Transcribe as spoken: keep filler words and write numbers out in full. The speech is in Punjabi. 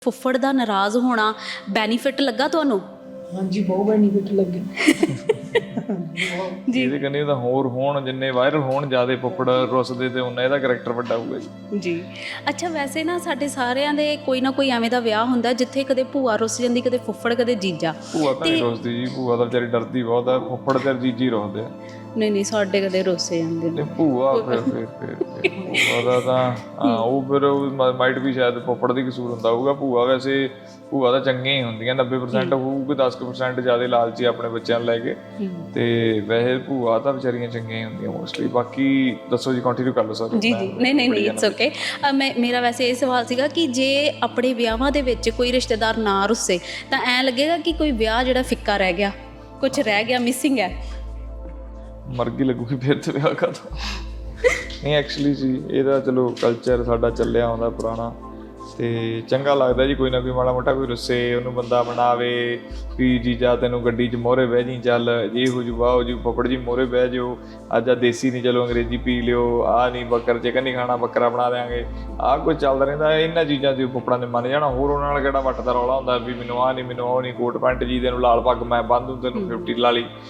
ਫੁੱਫੜ ਦਾ ਨਾਰਾਜ਼ ਹੋਣਾ ਬੈਨੀਫਿਟ ਲੱਗਾ ਤੁਹਾਨੂੰ? ਹਾਂਜੀ ਬਹੁਤ ਬੈਨੀਫਿਟ ਲੱਗੇ ਜੀ ਇਹਦੇ ਕੰਨੇ ਤਾਂ ਹੋਰ ਹੋਣ, ਜਿੰਨੇ ਵਾਇਰਲ ਹੋਣ ਜ਼ਿਆਦਾ ਫੁੱਫੜ ਰੁੱਸਦੇ ਤੇ ਉਹਨਾਂ ਇਹਦਾ ਕਰੈਕਟਰ ਵੱਡਾ ਹੋਊਗਾ ਜੀ। ਜੀ ਅੱਛਾ, ਵੈਸੇ ਨਾ ਸਾਡੇ ਸਾਰਿਆਂ ਦੇ ਕੋਈ ਨਾ ਕੋਈ ਐਵੇਂ ਦਾ ਵਿਆਹ ਹੁੰਦਾ ਜਿੱਥੇ ਕਦੇ ਭੂਆ ਰੁੱਸ ਜਾਂਦੀ, ਕਦੇ ਫੁੱਫੜ, ਕਦੇ ਜੀਜਾ। ਭੂਆ ਤਾਂ ਨਹੀਂ ਰੁੱਸਦੀ ਜੀ, ਭੂਆ ਤਾਂ ਵਿਚਾਰੀ ਡਰਦੀ ਬਹੁਤ ਆ, ਫੁੱਫੜ ਤੇ ਜੀਜੀ ਰੁੱਸਦੇ ਆ। ਨਹੀਂ ਨਹੀਂ, ਸਾਡੇ ਕਦੇ ਰੁੱਸੇ ਜਾਂਦੇ ਨੇ। ਤੇ ਭੂਆ ਫਿਰ ਫਿਰ ਫਿਰ ਫਿਰ ਭੂਆ ਦਾ ਤਾਂ ਹਾਂ ਉਹ ਫਿਰ ਮਾਈਟ ਵੀ ਸ਼ਾਇਦ ਫੁੱਫੜ ਦੀ ਕਸੂਰ ਹੁੰਦਾ ਹੋਊਗਾ। ਭੂਆ ਵੈਸੇ ਭੂਆ ਤਾਂ ਚੰਗੀਆਂ ਹੀ ਹੁੰਦੀਆਂ, ਨੱਬੇ ਪਰਸੈਂਟ ਹੋਊਗੀ, ਦਸ ਕੁ ਪਰਸੈਂਟ ਜ਼ਿਆਦਾ ਲਾਲਚੀ ਆਪਣੇ ਬੱਚਿਆਂ ਨੂੰ ਲੈ ਕੇ। ਤੇ ਵੈਸੇ ਭੂਆ ਤਾਂ ਵਿਚਾਰੀਆਂ ਚੰਗੀਆਂ ਹੀ ਹੁੰਦੀਆਂ ਮੋਸਟਲੀ। ਬਾਕੀ ਦੱਸੋ ਜੀ, ਕੰਟੀਨਿਊ ਕਰ ਲਓ ਸਰ। ਜੀ ਜੀ ਨਹੀਂ ਨਹੀਂ ਨਹੀਂ ਇਟਸ ਓਕੇ। ਮੈਂ ਮੇਰਾ ਵੈਸੇ ਇਹ ਸਵਾਲ ਸੀਗਾ ਕਿ ਜੇ ਆਪਣੇ ਵਿਆਹਾਂ ਦੇ ਵਿੱਚ ਕੋਈ ਰਿਸ਼ਤੇਦਾਰ ਨਾ ਰੁੱਸੇ ਤਾਂ ਐਂ ਲੱਗੇਗਾ ਕਿ ਕੋਈ ਵਿਆਹ ਜਿਹੜਾ ਫਿੱਕਾ ਰਹਿ ਗਿਆ, ਕੁਝ ਰਹਿ ਗਿਆ, ਮਿਸਿੰਗ ਹੈ। ਮਰਗੀ ਲੱਗੂਗੀ ਫਿਰ ਤੇ ਵਿਆਹ ਕਰਦਾ। ਨਹੀਂ ਐਕਚੁਅਲੀ ਜੀ ਇਹਦਾ ਚਲੋ ਕਲਚਰ ਸਾਡਾ ਚੱਲਿਆ ਆਉਂਦਾ ਪੁਰਾਣਾ, ਤੇ ਚੰਗਾ ਲੱਗਦਾ ਜੀ ਕੋਈ ਨਾ ਕੋਈ ਮਾੜਾ ਮੋਟਾ ਕੋਈ ਰੁੱਸੇ ਉਹਨੂੰ ਬੰਦਾ ਬਣਾਵੇ ਵੀ ਜੀਜਾ ਤੈਨੂੰ ਗੱਡੀ 'ਚ ਮੋਹਰੇ ਬਹਿ ਜੀ, ਚੱਲ ਜੇ ਹੋ ਜੂ ਵਾਹ ਹੋ ਜੂ, ਫੁੱਫੜ ਜੀ ਮੋਹਰੇ ਬਹਿ ਜਾਓ, ਅੱਜ ਆ ਦੇਸੀ ਨਹੀਂ ਚਲੋ ਅੰਗਰੇਜ਼ੀ ਪੀ ਲਿਓ, ਆਹ ਨਹੀਂ ਬੱਕਰ ਚਿਕਨ ਨਹੀਂ ਖਾਣਾ ਬੱਕਰਾ ਬਣਾ ਦਿਆਂਗੇ, ਆਹ ਕੁਝ ਚੱਲਦਾ ਰਹਿੰਦਾ। ਇਹਨਾਂ ਚੀਜ਼ਾਂ 'ਤੇ ਫੁੱਫੜਾਂ ਦੇ ਮੰਨ ਜਾਣਾ। ਹੋਰ ਉਹਨਾਂ ਨਾਲ ਕਿਹੜਾ ਵੱਟ ਦਾ ਰੌਲਾ ਹੁੰਦਾ ਵੀ ਮੈਨੂੰ ਆਹ ਨਹੀਂ, ਮੈਨੂੰ ਉਹ ਨਹੀਂ, ਕੋਟ ਪੈਂਟ ਜੀ ਤੈਨੂੰ ਲਾਲ ਪੱਗ ਮੈਂ ਬੰਨ ਦੂੰ, ਤੈਨੂੰ ਫਿਫਟੀ ਲਾ ਲਈ,